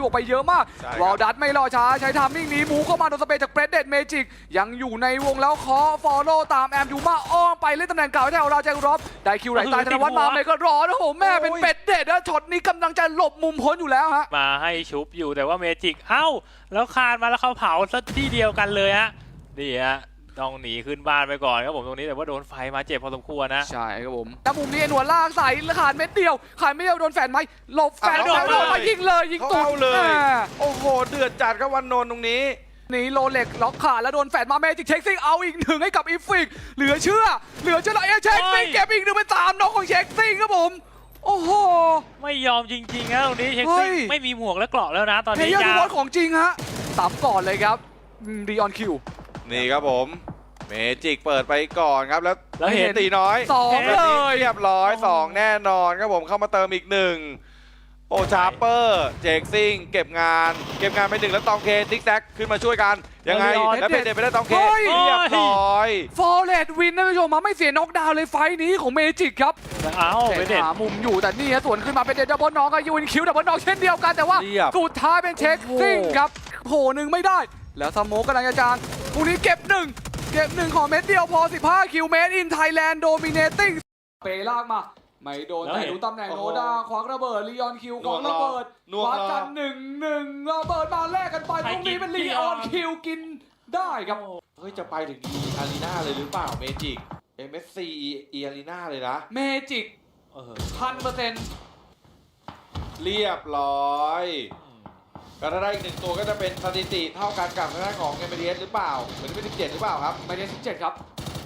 วกไปเยอะมากวอลดัตไม่รอช้าใช้ทามมิ่งนี้มูเข้ามาโดนสเปรย์จากเบรดเดดเมจิกยังอยู่ในวงแล้วเคาะฟอลโล่ตามแอมยูมาอ้อมไปเล่นตำแหน่งเก่าแถวเราแจ็ครอบได้คิวไหลตายธนวัฒน์มาไม่ก็รอนะโหแม่เป็นเบรดเดดนะช็อตนี้กำลังจะหลบมุมพ้นอยู่แล้วฮะมาให้ชุบอยู่แต่ว่าเมจิกเอ้าแล้วคานมาแล้วเขาเผาซะที่เดียวกันเลยฮะนี่ฮะต้องหนีขึ้นบ้านไปก่อนครับผมตรงนี้แต่ว่าโดนไฟมาเจ็บพอสมควรนะใช่ครับผมแต่มุมนี้หนวดลากใส่ขาดเม็ดเดียวขาดไม่เดียวโดนแฟนไหมหลบแฟนแล้วโดนมายิงเลยยิงตุ่มเลยโอ้โหเดือดจัดครับวันนนท์ตรงนี้นี่โรเล็กล็อกขาแล้วโดนแฟนมาเมจิกเช็คซิงเอาอีกหนึ่งให้กับอีฟิกเหลือเชื่อแล้วเช็คซิงเก็บอีกหนึ่งเป็น3น้องของเช็คซิงครับผมโอ้โหไม่ยอมจริงๆนะตรงนี้เช็คซิงไม่มีหมวกและเกราะแล้วนะตอนนี้ยาร์ของจริงฮะตับก่อนเลยครับดีออนคิวนี่ครับผมเมจิกเปิดไปก่อนครับแล้วเห็นตีน้อย 2เลยเรียบร้อย2แน่นอนครับผมเข้ามาเติมอีก1โอชาร์เปอร์เจคซิงเก็บงานไป1แล้วตองเคติ๊กแท็กขึ้นมาช่วยกันยังไงแล้วเป็นเด็ดไปได้ตองเคเรียบร้อยฟอร์เรดวินนะผู้ชมมาไม่เสียน็อกดาวน์เลยไฟนี้ของเมจิกครับเป็นหามุมอยู่แต่นี่ฮะสวนขึ้นมาเป็นเดดับเบิลน็อกกับยูนคิวดับเบิลน็อกเช่นเดียวกันแต่ว่าสุดท้ายเป็นเช็คซิงครับโผล่1ไม่ได้แล้วสโมกกำลังจะจางพวกนี้เก็บ1ของเม็ดเดียวพอ15คิวเมตรอินไทยแลนด์โดมิเนติ้งเปลากมาไม่โดนแต่ดูตำแหน่งโนดาควักระเบิดลีออนคิวของระเบิดวัดกัน1-1ระเบิดมาแลกกันไปตรงนี้เป็นลีออนคิวกินได้ครับเฮ้ยจะไปถึงดีอารีนาเลยหรือเปล่าเมจิก MSC อารีนาเลยนะเมจิก100% เรียบร้อยก็ถ้าได้อีก1ตัวก็จะเป็นสถิติเท่ากันกับทางด้านของ MDS หรือเปล่าเหมือนเป็น17หรือเปล่าครับไม่ได้17ครับ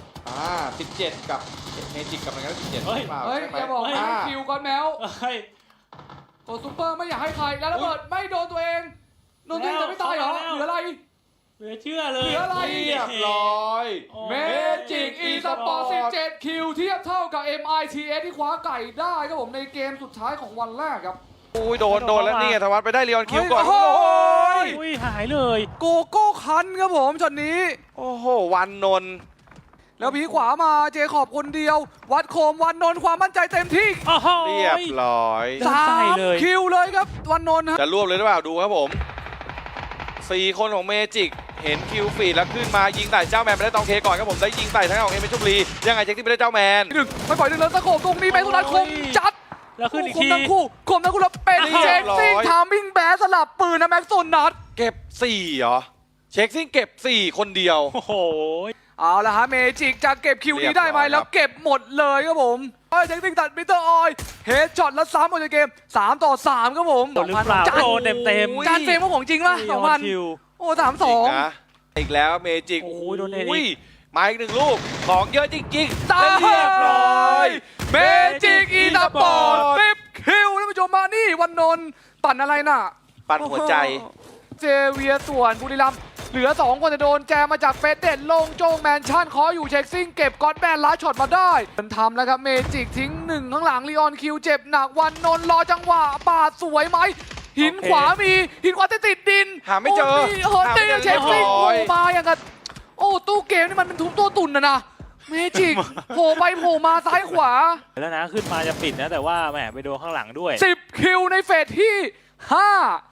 17กับเมจิกกับมันก็17หรือเปล่าเฮ้ยอย่าบอกคิวก่อนแมวตัวซูเปอร์ไม่อยากให้ใครแล้วระเบิดไม่โดนตัวเองโดนตัวเองจะไม่ตายเหรอเหลืออะไรเหลือเชื่อเลยเหลืออะไรเรียบร้อยเมจิกอีสปอร์ต17คิวเทียบเท่ากับ MITS ที่คว้าไก่ได้ครับผมในเกมสุดท้ายของวันแรกครับอุ้ยโดนแล้วนี่ธวัฒน์ไปได้ลีออนคิวก่อนโอ้ยหายเลยโกโก้คันครับผมช็อตนี้โอ้โหวันนนท์แล้วผีขวามาเจคอบคนเดียววัดโคมวันนนท์ความมั่นใจเต็มที่เรียบร้อย 3คิวเลยครับวันนนท์จะรวบเลยหรือเปล่าดูครับผม4คนของเมจิกเห็นคิวฟีดแล้วขึ้นมายิงใส่เจ้าแมนไปได้ตองเคก่อนครับผมได้ยิงใส่ทั้งของเอเมชุบลียังไงเช็คที่ไปได้เจ้าแมนไม่ปล่อยเลยตะโขบตรงนี้แมนสุดท้ายคมจัดแล้วขึ้นอีกทีคมทั้งคู่แล้วเป็นเช็คซิงทามมิ่งแบสสลับปืนนะแม็กซ์โซนนัดเก็บ4เหรอเช็คซิงเก็บ4คนเดียวโอ้โหเอาละฮะเมจิกจะเก็บคิวนี้ได้ไหมแล้วเก็บหมดเลยครับผมเช็คซิงตัดมิเตอร์ออยเฮดช็อตแล้วซ้ำหมดในเกม3-3ครับผม 2,000โดนเต็มจานเฟรมของจริงป่ะ2,000โอ้3-2 อีกแล้วเมจิกโอ้โดนเอริมาอีก1ลูกของเยอะจริงๆเรียบร้อยเมจิกอีสปอร์ต10คิวท่านผู้ชมมานี่วันนนท์ปั่นอะไรน่ะปั่นหัวใจเจเวียส่วนบุรีรัมย์เหลือ2คนจะโดนแจมาจากเฟสเด็ดลงโจงแมนชั่นขออยู่เช็คซิ่งเก็บก้อนแมนล้าช็อตมาได้เป็นทำแล้วครับเมจิกทิ้ง1ข้างหลังลีออนคิวเจ็บหนักวันนนท์รอจังหวะปาดสวยไหมหินขวามีหินขวาติดดินหาไม่เจอเช็คซิ่งมาอย่างกับโอ้ตู้เกมนี่มันเป็นทุบตัวตุ่นนะเมจิกโผล่ไปโผล่มาซ้ายขวาแล้วนะขึ้นมาจะปิดนะแต่ว่าแหมไปโดนข้างหลังด้วย 10คิวในเฟสที่5